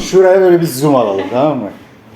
şuraya böyle bir zoom alalım, tamam mı?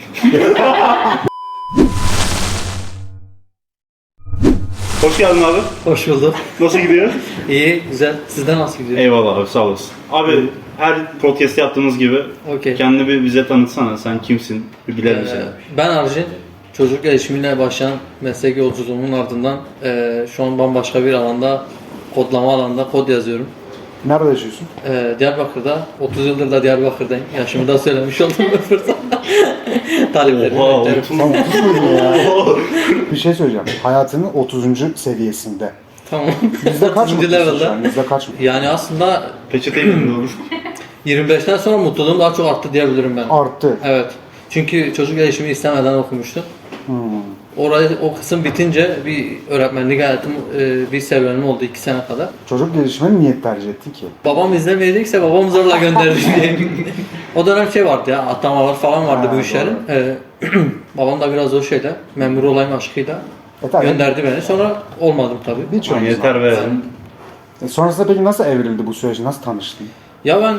Hoş geldin abi. Hoş bulduk. Nasıl gidiyor? İyi, güzel. Sizden nasıl gidiyor? Eyvallah abi, sağ olasın. Abi her podcast yaptığımız gibi Okey. kendini bir bize tanıtsana. Sen kimsin? Bir bilelim seni. Ben Arjin. Çocuk gelişimiyle başlayan meslek yolculuğumun ardından şu an bambaşka bir alanda, kodlama alanında kod yazıyorum. Nerede yaşıyorsun? Diyarbakır'da, 30 yıldır da Diyarbakır'dayım. Yaşımı da söylemiş oldum bu fırsat. Taliplerimi Oha, beklerim. Sen 30 muydun ya? Bir şey söyleyeceğim. Hayatının 30. seviyesinde. Tamam. Yüzde kaç 30. mutlusun şu level'da. an? Yüzde kaç mutlusun? Yani aslında Peçeteyi mi olur? 25'ten sonra mutluluğum daha çok arttı diyebilirim ben. Arttı. Evet. Çünkü çocuk gelişimi istemeden okumuştum. Orayı, o kısım bitince bir öğretmenlik hayatım, bir serüvenim oldu 2 sene kadar. Çocuk gelişimini niye tercih ettin ki? Babam izlemeyecekse babam zorla gönderdi diye. O dönem şey vardı ya, atlamalar falan vardı Ha, bu işlerin. Babam da biraz o şeyle, memur olayım aşkıyla Tabii. gönderdi beni. Sonra olmadım tabii. Birçoğumuz var. Yeter be. Sonrasında peki nasıl evrildi bu süreç? Nasıl tanıştın? Ya ben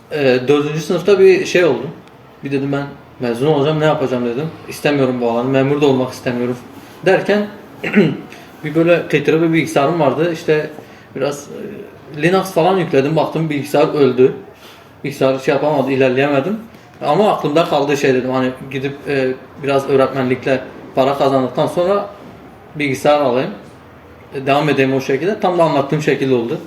4. sınıfta bir şey oldu. Bir dedim ben mezun olacağım, ne yapacağım dedim. İstemiyorum bu alanı, memur da olmak istemiyorum derken bir böyle kıytırı bir bilgisayarım vardı. İşte biraz Linux falan yükledim, baktım bilgisayar öldü. Bilgisayar şey yapamadı, ilerleyemedim. Ama aklımda kaldığı şey dedim, hani gidip biraz öğretmenlikle para kazandıktan sonra bilgisayar alayım. Devam edeyim o şekilde. Tam da anlattığım şekilde oldu.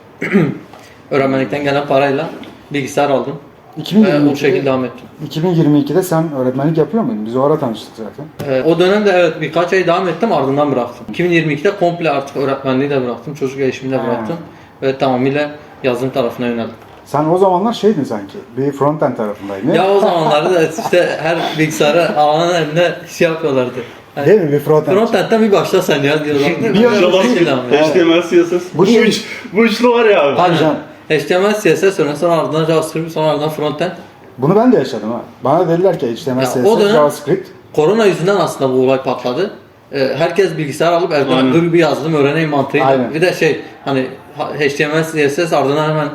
Öğretmenlikten gelen parayla bilgisayar aldım. Ve o şekilde 2022'de, devam ettim. 2022'de sen öğretmenlik yapıyor muydun? Biz o ara tanıştık zaten. O dönemde evet birkaç ay devam ettim, ardından bıraktım. 2022'de komple artık öğretmenliği de bıraktım, çocuk gelişimini de bıraktım. Ve tamamıyla yazılım tarafına yöneldim. Sen o zamanlar şeydin sanki, bir frontend tarafındaydın. Ya o zamanlarda da işte her bilgisayara alanın eline şey yapıyorlardı. Yani Değil mi? Bir frontend. frontend'den bir başla sen ya diyorlardı. Bir an- HTML, CSS. Bu şey- Bu üçlü var ya abi. Hadi canım. HTML, CSS sonra ardından JavaScript, sonra ardından frontend. Bunu ben de yaşadım ha. Bana dediler ki HTML, Ya CSS, o dönem- JavaScript. Korona yüzünden aslında bu olay patladı. Herkes bilgisayar alıp evden Aynen. dur bir yazılım öğreneyim mantığıyla. Aynen. Bir de şey hani HTML, CSS ardından hemen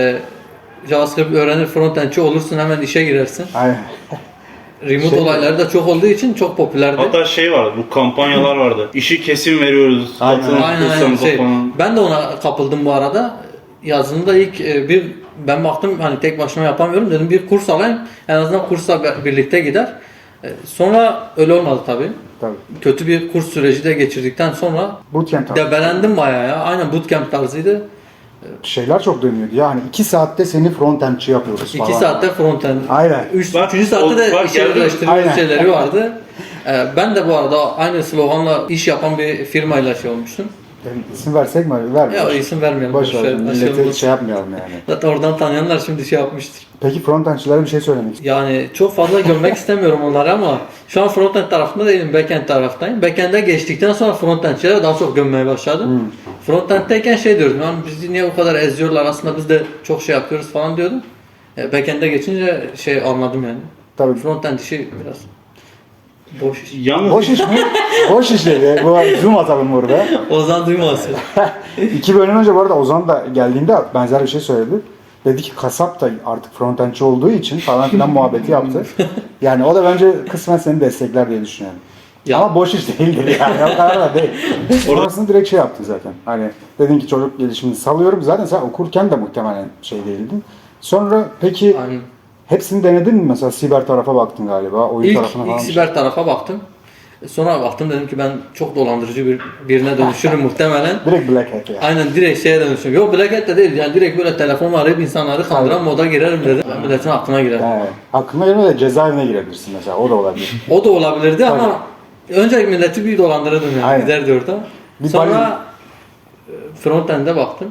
JavaScript öğrenir frontendçi olursun, hemen işe girersin. Aynen. Remote Şey- olayları da çok olduğu için çok popülerdi. Hatta şey vardı, bu kampanyalar vardı. İşi kesin veriyoruz. Aynen. Satın Aynen kursanıza şey. falan. Ben de ona kapıldım bu arada. Yazılımda ilk ben baktım hani tek başıma yapamıyorum, dedim bir kurs alayım. En azından kursla birlikte gider. Sonra öyle olmadı tabii. Tabii. Kötü bir kurs süreci de geçirdikten sonra Bootcamp tarzı. debelendim bayağı ya. Aynen bootcamp tarzıydı. Şeyler çok dönüyordu ya. Hani 2 saatte seni frontendçi yapıyoruz 2 falan. saatte frontend. Aynen. 3. Bak, saatte de bak, işe geldim. birleştirme Aynen. şeyleri vardı. Ben de bu arada aynı sloganla iş yapan bir firmayla şey olmuştum. Yani isim versek mi? Vermiyoruz. Ya isim vermeyelim. Boş ver. Şey, Millete aşırı- şey yapmayalım yani. Zaten oradan tanıyanlar şimdi şey yapmıştır. Peki frontendçilere bir şey söylemek istiyorum. Yani çok fazla görmek istemiyorum onları ama şu an frontend tarafında değilim, backend taraftayım. Backend'e geçtikten sonra frontendçilere daha çok gömmeye başladım. Frontend'deyken şey diyordum, yani bizi niye bu kadar eziyorlar, aslında biz de çok şey yapıyoruz falan diyordum. Backend'e geçince şey anladım yani. Tabii. Frontend işi biraz boş iş. Yalnız Boş iş mi? Boş iş dedi. Bu zoom atalım burada. Ozan duymasın. 2 bölüm önce bu arada Ozan da geldiğinde benzer bir şey söyledi. Dedi ki kasap da artık frontendçi olduğu için falan filan muhabbeti yaptı. Yani o da bence kısmen seni destekler diye düşünüyorum. Ya. Ama boş iş değildir yani. O kadar da değil. Sonrasında direkt şey yaptın zaten. Hani dedin ki çocuk gelişimini salıyorum. Zaten sen okurken de muhtemelen şey değildin. Sonra peki Aynen. hepsini denedin mi? Mesela siber tarafa baktın galiba. Oyun tarafına İlk falan. siber tarafa baktım. Sonra baktım, dedim ki ben çok dolandırıcı birine dönüşürüm muhtemelen. Direkt Black Hat yani. Aynen direkt şeye dönüşüm. Yok Black Hat de değil, yani direkt böyle telefonla arayıp insanları kandıran moda girerim dedim. Ben milletin aklına girerim. Yani, aklına gelmedi de cezaevine girebilirsin mesela. O da olabilir. O da olabilirdi ama önce milleti bir dolandırırdım yani, Aynen. giderdi orada. Bir Sonra frontend'e baktım.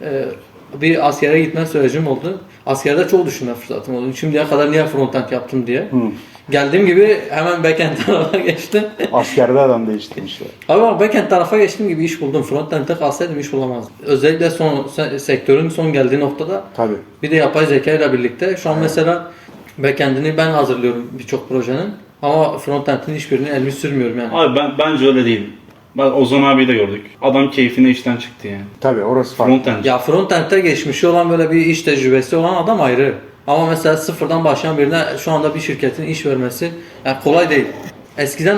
Bir askere gitme sürecim oldu. Askerde çok düşünme fırsatım oldu. Şimdiye kadar niye frontend yaptım diye. Geldiğim gibi hemen backend tarafa geçtim. Askerde adam değişti işte. Ama backend tarafa geçtiğim gibi iş buldum. Frontend'e kalsaydım iş bulamazdım. Özellikle sektörün son geldiği noktada Tabii. bir de yapay zeka ile birlikte şu an mesela backend'ini ben hazırlıyorum birçok projenin. Ama frontend'in hiçbirini elimi sürmüyorum yani. abi bence öyle değil. Bak Ozan abiyi de gördük. Adam keyfine işten çıktı yani. Tabii orası farklı. Frontend. Ya frontend'e geçmişi olan böyle bir iş tecrübesi olan adam ayrı. Ama mesela sıfırdan başlayan birine şu anda bir şirketin iş vermesi yani kolay değil. Eskiden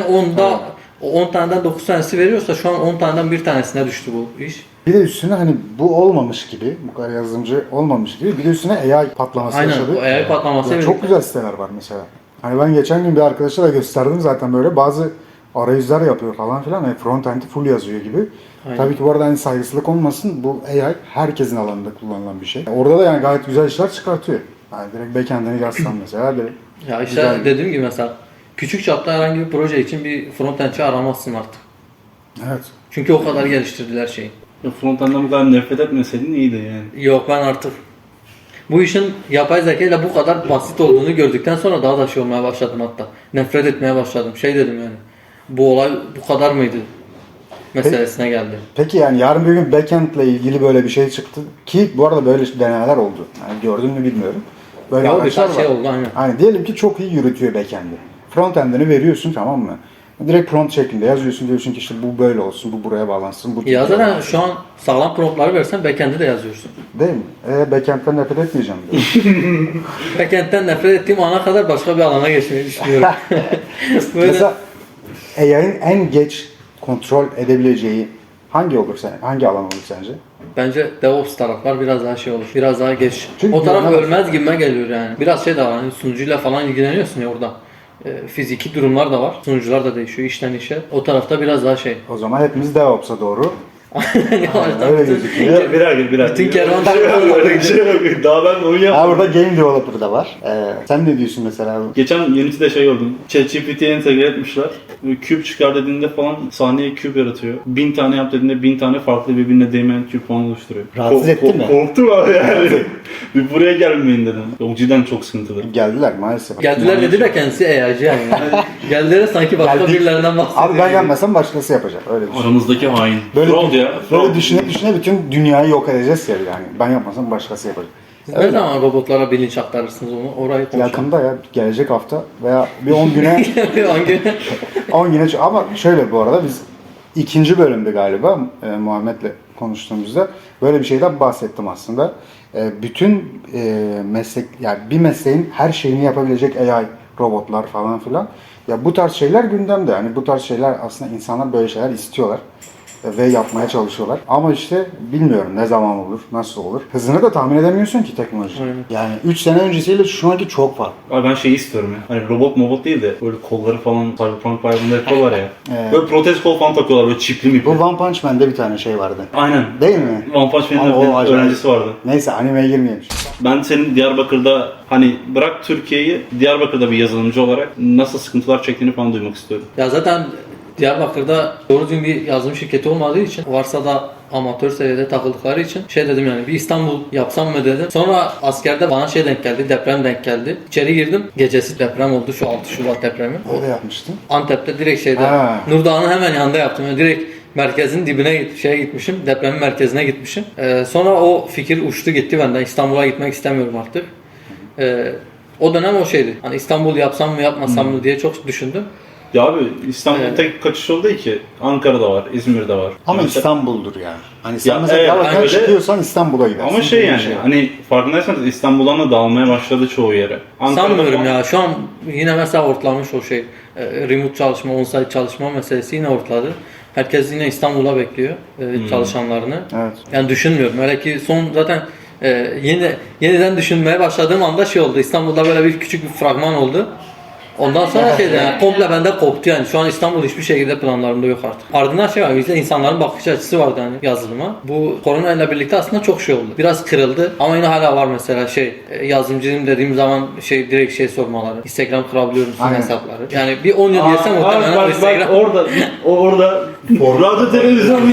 10 taneden 9 tanesi veriyorsa şu an 10 taneden bir tanesine düştü bu iş. Bir de üstüne hani bu olmamış gibi, bu kadar yazılımcı olmamış gibi bir de üstüne AI patlaması Aynen, yaşadı. o AI patlaması Ya çok güzel siteler var mesela. Hani ben geçen gün bir arkadaşa da gösterdim zaten böyle bazı arayüzler yapıyor falan filan. Yani front-end'i full yazıyor gibi. Aynen. Tabii ki bu arada hani saygısızlık olmasın. Bu AI herkesin alanında kullanılan bir şey. Orada da yani gayet güzel işler çıkartıyor. Yani direkt backend'ini yazsan mesela direkt Ya işte güzel. dediğim gibi mesela küçük çapta herhangi bir proje için bir frontendçi aramazsın artık. Evet. Çünkü o kadar geliştirdiler şeyi. Ya frontend'den bu kadar nefret etmeseydin iyiydi yani. Yok ben artık bu işin yapay zeka ile bu kadar basit olduğunu gördükten sonra daha da şey olmaya başladım hatta. Nefret etmeye başladım. Şey dedim yani. Bu olay bu kadar mıydı? Meselesine geldi. Peki yani yarın bir gün backend ile ilgili böyle bir şey çıktı ki bu arada böyle denemeler oldu. Yani gördün mü bilmiyorum. Böyle Ya o araçlar birkaç şey var. oldu aynen. Hani diyelim ki çok iyi yürütüyor backend'i. Frontend'ini veriyorsun tamam mı? Direkt prompt şeklinde yazıyorsun diyorsun ki işte bu böyle olsun, bu buraya bağlansın, bu Ya buraya zaten bağlansın. şu an sağlam promptları versen backend'i de yazıyorsun. Değil mi? Backend'den nefret etmeyeceğim diyor. Backend'den nefret ettiğim ana kadar başka bir alana geçmeyi düşünüyorum. Böyle Mesela AI'ın en geç kontrol edebileceği hangi alan olur sence? bence DevOps taraflar biraz daha şey olur. Biraz daha geç. Çünkü O taraf güvenemezsin. ölmez gibime geliyor yani. Biraz şey de var hani sunucuyla falan ilgileniyorsun ya orada. Fiziki durumlar da var. Sunucular da değişiyor işten işe. O tarafta biraz daha şey. O zaman hepimiz DevOps'a doğru. Yavaştan öyle bütün- gözüküyor. Birer. Bütün kervan Daha ben onu Ha yapmadım. burada game developer da var. Sen ne diyorsun mesela? Geçen Unity'de şey gördüm. ChatGPT'ye entegre etmişler. Böyle küp çıkar dediğinde falan sahneye küp yaratıyor. 1000 tane yap dediğinde 1000 tane farklı birbirine değmeyen küp falan oluşturuyor. Rahatsız etti mi? Korktum abi yani. Bir buraya gelmeyin dedim. O cidden çok sıkıntılı. Geldiler maalesef. Geldiler dedi de kendisi AI'ci yani. Geldiler sanki başka Geldik. birilerinden bahsediyor. Abi ben gelmesem başkası yapacak. Öyle düşün. Aramızdaki hain. Böyle, Fraud ya. böyle Fraud. düşüne bütün dünyayı yok edeceğiz ya yani. Ben yapmasam başkası yapacak. Siz ne zaman robotlara bilinç aktarırsınız onu? Orayı konuşalım. Yakında ya gelecek hafta veya bir 10 güne Hangi? 10 güne ama şöyle bu arada biz ikinci bölümde galiba Muhammed'le konuştuğumuzda böyle bir şeyden bahsettim aslında. Bütün meslek yani bir mesleğin her şeyini yapabilecek AI robotlar falan filan. Ya bu tarz şeyler gündemde. Yani bu tarz şeyler aslında insanlar böyle şeyler istiyorlar ve yapmaya çalışıyorlar. Ama işte bilmiyorum ne zaman olur, nasıl olur. Hızını da tahmin edemiyorsun ki teknoloji. Aynen. Yani 3 sene öncesiyle şu anki çok farklı. Abi ben şeyi istiyorum ya. Hani robot değil de böyle kolları falan Cyberpunk bayramında yapıyorlar ya. Evet. Böyle protez kol falan takıyorlar böyle çipli mi? Bu One Punch Man'de bir tane şey vardı. Aynen. Değil mi? One Punch Ama o Man'in acayip. öğrencisi vardı. Neyse animeye girmeyelim. Ben senin Diyarbakır'da hani bırak Türkiye'yi Diyarbakır'da bir yazılımcı olarak nasıl sıkıntılar çektiğini falan duymak istiyorum. Ya zaten Diyarbakır'da doğru düzgün bir yazılım şirketi olmadığı için varsa da amatör seviyede takıldıkları için şey dedim yani bir İstanbul yapsam mı dedim. Sonra askerde bana şey denk geldi, deprem denk geldi. İçeri girdim, gecesi deprem oldu şu 6 Şubat depremi. Öyle yapmıştın. Antep'te direkt şeyde Ha. Nurdağ'ın hemen yanında yaptım. Yani direkt merkezin dibine şeye gitmişim, depremin merkezine gitmişim. Sonra o fikir uçtu gitti benden. İstanbul'a gitmek istemiyorum artık. O dönem o şeydi. Hani İstanbul yapsam mı yapmasam mı diye çok düşündüm. Ya abi İstanbul'un Evet. tek kaçış yolu değil ki. Ankara'da var, İzmir'de var. Ama Mesela- İstanbul'dur yani. Hani sen Ya mesela evet, Diyarbakır'dan öyle. çıkıyorsan İstanbul'a gidersin. Ama şey gibi bir yani hani farkındaysanız İstanbul'dan da dağılmaya başladı çoğu yere. Ankara'da Sanmıyorum falan- ya. Şu an yine mesela ortlamış o şey. Remote çalışma, on-site çalışma meselesi yine ortladı. Herkes yine İstanbul'a bekliyor çalışanlarını. Evet. Yani düşünmüyorum. Öyle ki son zaten yeniden düşünmeye başladığım anda şey oldu. İstanbul'da böyle bir küçük bir fragman oldu. Ondan sonra şey yani komple bende koptu yani. Şu an İstanbul hiçbir şekilde planlarımda yok artık. Ardından şey var. Bizde insanların bakış açısı vardı hani yazılıma. Bu korona ile birlikte aslında çok şey oldu. Biraz kırıldı ama yine hala var mesela şey yazılımcıyım dediğim zaman şey direkt şey sormaları. Instagram kurabiliyor musun Aynen. hesapları? Yani bir 10 yıl geçse muhtemelen o bak Instagram. orada radyo televizyon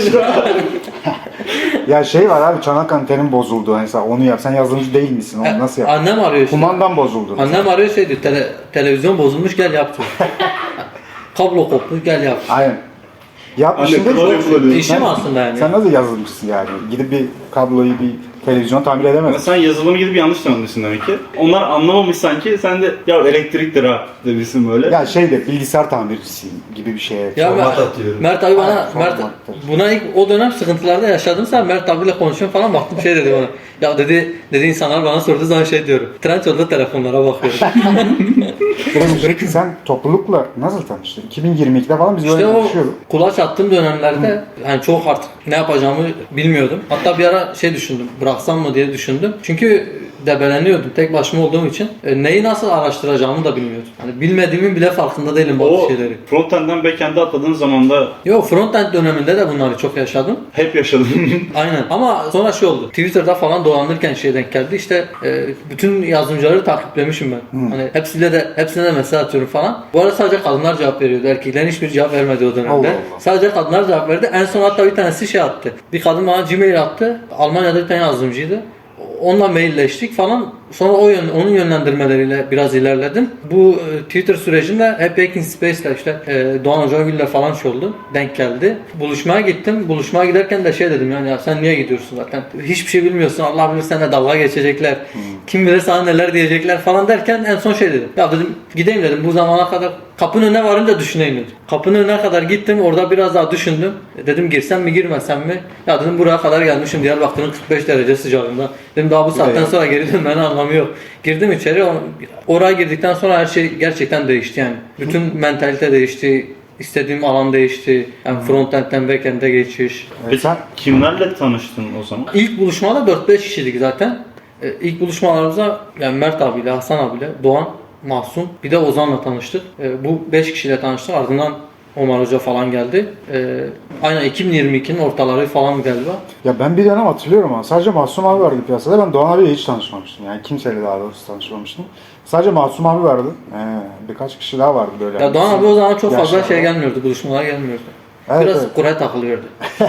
Ya şey var abi çanak antenin bozuldu. Mesela onu yap. Sen yazılımcı değil misin? Onu nasıl yap? Annem arıyor işte. Kumandan bozuldu. Annem arıyor şey diyor. Televizyon bozulmuş gel yap diyor. Kablo kopmuş gel yap. Aynen. Yap Anne, işinde kolay çok- kullanıyor. İşim aslında yani. Sen nasıl yazılımcısın yani? Gidip bir kabloyu bir televizyon tamir Ama edemez. sen yazılımı gidip yanlış tanımışsın demek ki. Onlar anlamamış sanki, sen de ya elektriktir ha demişsin böyle. Ya şeyde bilgisayar tamircisiyim gibi bir şeye. Ya Format atıyorum. Mert abi bana, Evet, Mert formattır. buna ilk o dönem sıkıntılarda yaşadım sen Mert abiyle konuşuyorum falan baktım şey dedi bana. Ya dedi insanlar bana sorduğu zaman şey diyorum. Trendyol'da telefonlara bakıyorum. Peki sen toplulukla nasıl tanıştın? 2022'de falan biz İşte böyle o tanışıyorduk. kulaç attığım dönemlerde yani çok artık ne yapacağımı bilmiyordum. Hatta bir ara şey düşündüm, bıraksam mı diye düşündüm. Çünkü debeleniyordum tek başıma olduğum için. Neyi nasıl araştıracağımı da bilmiyordum. Hani bilmediğimin bile farkında değilim bazı O şeyleri. frontend'den backend'e atladığın zaman da Yo frontend döneminde de bunları çok yaşadım. hep yaşadın. Aynen ama sonra şey oldu. Twitter'da falan dolanırken şey denk geldi. İşte bütün yazılımcıları takiplemişim ben. Hani hepsine de mesaj atıyorum falan. Bu arada sadece kadınlar cevap veriyordu. Erkeklerin hiçbir cevap vermedi o dönemde. Allah Allah. Sadece kadınlar cevap verdi. En son hatta bir tanesi şey attı. Bir kadın bana Gmail attı. Almanya'da bir tane yazılımcıydı. Onunla mailleştik falan. Sonra onun yönlendirmeleriyle biraz ilerledim. Bu Twitter sürecinde hep Hacking Space'le işte Doğan Hocagül'le falan şey oldu. Denk geldi. Buluşmaya gittim. Buluşmaya giderken de şey dedim yani ya sen niye gidiyorsun zaten? Hiçbir şey bilmiyorsun. Allah bilir seninle dalga geçecekler. Kim bilir sana neler diyecekler falan derken en son şey dedim. Ya dedim gideyim dedim. Bu zamana kadar kapının önüne varınca düşüneyim dedim. Kapının önüne kadar gittim. Orada biraz daha düşündüm. Dedim girsem mi girmesem mi? Ya dedim buraya kadar gelmişim. Diyarbakır'ın 45 derece sıcağında. Dedim daha bu saatten sonra geri dönmenin anlamı yok. Girdim içeri. Oraya girdikten sonra her şey gerçekten değişti yani. Bütün mentalite değişti. İstediğim alan değişti. Yani frontend'den backend'e geçiş. Peki sen kimlerle tanıştın o zaman? İlk buluşmada 4-5 kişiydik zaten. İlk buluşmalarımızda yani Mert abiyle, Hasan abiyle, Doğan, Mahsun bir de Ozan'la tanıştık. Bu 5 kişiyle tanıştık. Ardından Omar Hoca falan geldi. Aynen 2022'nin ortaları falan galiba. ya ben bir dönem hatırlıyorum ama sadece Masum abi vardı piyasada. Ben Doğan abiyle hiç tanışmamıştım. Yani kimseyle daha doğrusu tanışmamıştım. Sadece Masum abi vardı. Birkaç kişi daha vardı böyle. Ya Doğan abi o zaman çok fazla Yaşlarda. şey gelmiyordu, buluşmalara gelmiyordu. Evet, Biraz evet. Kur'an takılıyordu.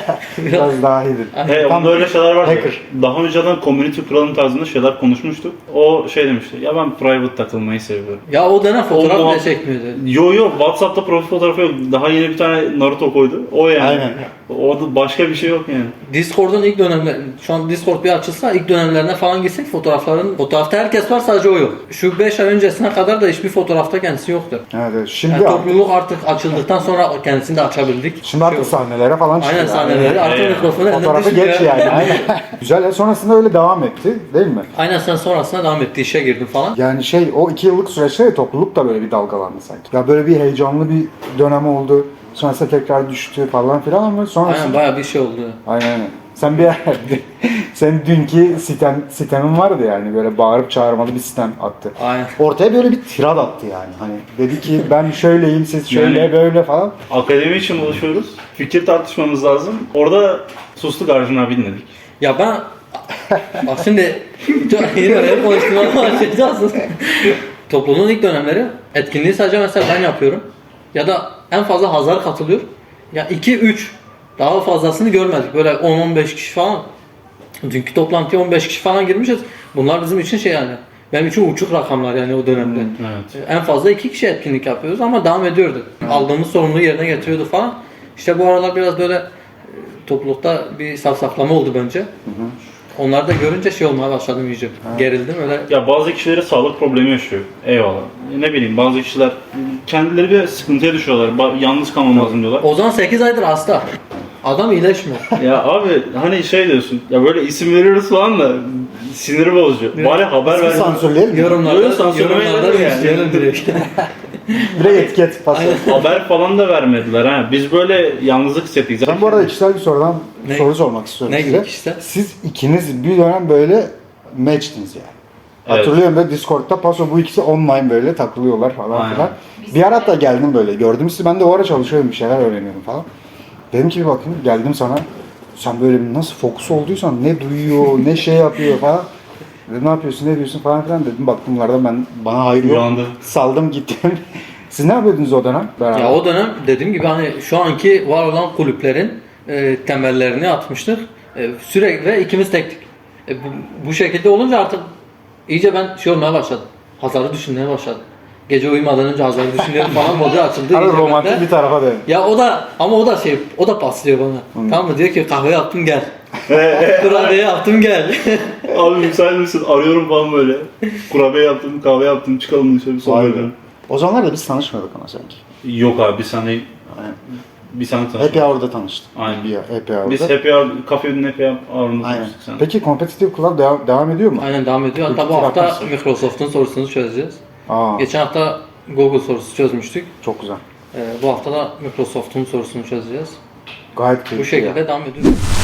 Biraz daha iyidir. He, Tam onda öyle şeyler vardı. hacker. Daha önceden community kuralım tarzında şeyler konuşmuştuk. O şey demişti. Ya ben private takılmayı seviyorum. Ya o dönem fotoğraf O bile çekmiyordu. Yo WhatsApp'ta profil fotoğrafı yok. Daha yeni bir tane Naruto koydu. O yani. Aynen. Orada başka bir şey yok yani. Discord'un ilk dönemler, şu an Discord bir açılsa ilk dönemlerine falan gitsek fotoğrafta herkes var sadece o yok. Şu 5 ay öncesine kadar da hiçbir fotoğrafta kendisi yoktu. Evet, evet. Şimdi Yani artık, topluluk artık açıldıktan sonra kendisini de açabildik. şimdi artık Şey oldu. sahnelere falan çıkıyor. Aynen sahneleri artık Evet. mikrofonu elinden Fotoğrafı düşmüyor. geç yani. Aynen. Güzel. Sonrasında öyle devam etti değil mi? Aynen sen sonrasında devam etti işe girdin falan. Yani o 2 yıllık süreçte topluluk da böyle bir dalgalandı sanki. Ya böyle bir heyecanlı bir dönem oldu. Sonrasında tekrar düştü falan filan ama sonrasında... Aynen bayağı bir şey oldu. Aynen. Sen senin dünkü sitemin vardı yani böyle bağırıp çağırmalı bir sitem attı. Aynen. Ortaya böyle bir tirad attı yani. Hani dedi ki ben şöyleyim siz şöyle Yani- böyle falan. Akademi için buluşuyoruz. Fikir tartışmamız lazım. Orada sustuk Arjun abi dinledik. Ya ben bak şimdi yine öyle konuştuğuma başlayacağız. Topluluğun ilk dönemleri etkinliği sadece mesela ben yapıyorum. Ya da en fazla Hazar katılıyor. Ya 2-3 daha fazlasını görmedik. Böyle 10-15 kişi falan. Dünkü toplantıya 15 kişi falan girmişiz. Bunlar bizim için şey yani. Benim için uçuk rakamlar yani o dönemde. Evet. En fazla 2 kişi etkinlik yapıyoruz ama devam ediyorduk. Aldığımız sorumluluğu yerine getiriyorduk falan. İşte bu aralar biraz böyle toplulukta bir safsaklama oldu bence. Onları da görünce şey olmaya başladım iyice. Gerildim öyle. Ya bazı kişileri sağlık problemi yaşıyor. Eyvallah. Ne bileyim bazı kişiler kendileri bir sıkıntıya düşüyorlar. Yalnız kalmam lazım diyorlar. Ozan 8 aydır hasta. Adam iyileşmiyor. Ya abi hani şey diyorsun. Ya böyle isim veriyoruz falan da siniri bozucu. Bari haber İsmi ver. sansürleyelim mi? Yorumlarda, Yok, sansürlemeyi yorumlarda yani. isteyelim direkt. Direkt etiket pas. Haber falan da vermediler ha. Biz böyle yalnızlık hissettik. Ben bu arada kişisel bir Ne? soru sormak istiyorum Ne size. gibi kişisel? Siz ikiniz bir dönem böyle matchtiniz yani. Evet. Hatırlıyorum böyle Discord'da paso bu ikisi online böyle takılıyorlar falan Aynen. filan. Bir ara hatta geldim böyle. Gördüm sizi ben de o ara çalışıyorum bir şeyler öğreniyorum falan. Dedim ki bir bakayım geldim sana. Sen böyle bir nasıl fokus olduysan ne duyuyor ne şey yapıyor falan. Dedim ne yapıyorsun ne diyorsun falan filan dedim. Baktım bunlardan bana hayır yok. Uyandı. Saldım gittim. Siz ne yapıyordunuz o dönem? Beraber. Ya o dönem dediğim gibi hani şu anki var olan kulüplerin temellerini atmıştık. Sürekli ve ikimiz tektik. Bu şekilde olunca artık iyice ben şey olmaya başladım. Hazar'ı düşünmeye başladım. Gece uyumadan önce Hazar'ı düşünüyorum falan modu açıldı. Abi iyice romantik bende. bir tarafa dön. Ya o da paslıyor bana. Tamam mı? Diyor ki kahve yaptım gel. Kurabiye yaptım gel. Abi müsait misin? Arıyorum falan böyle. Kurabiye yaptım, kahve yaptım, çıkalım dışarı bir sohbet edelim. O zamanlar da biz tanışmadık ama sanki. Yok abi biz seninle Aynen. bir sene Happy tanıştık. Hour'da tanıştık. Aynen. Happy Hour'da. Biz Happy Hour, Cafe'nin Happy Hour'ında Aynen. tanıştık sen. Peki Competitive Club devam ediyor mu? Aynen devam ediyor. Hatta bu Kültür hafta akması. Microsoft'un sorusunu çözeceğiz. Aa, Geçen hafta Google sorusu çözmüştük. çok güzel. Bu hafta da Microsoft'un sorusunu çözeceğiz. Gayet Bu keyifli şekilde ya. devam ediyoruz.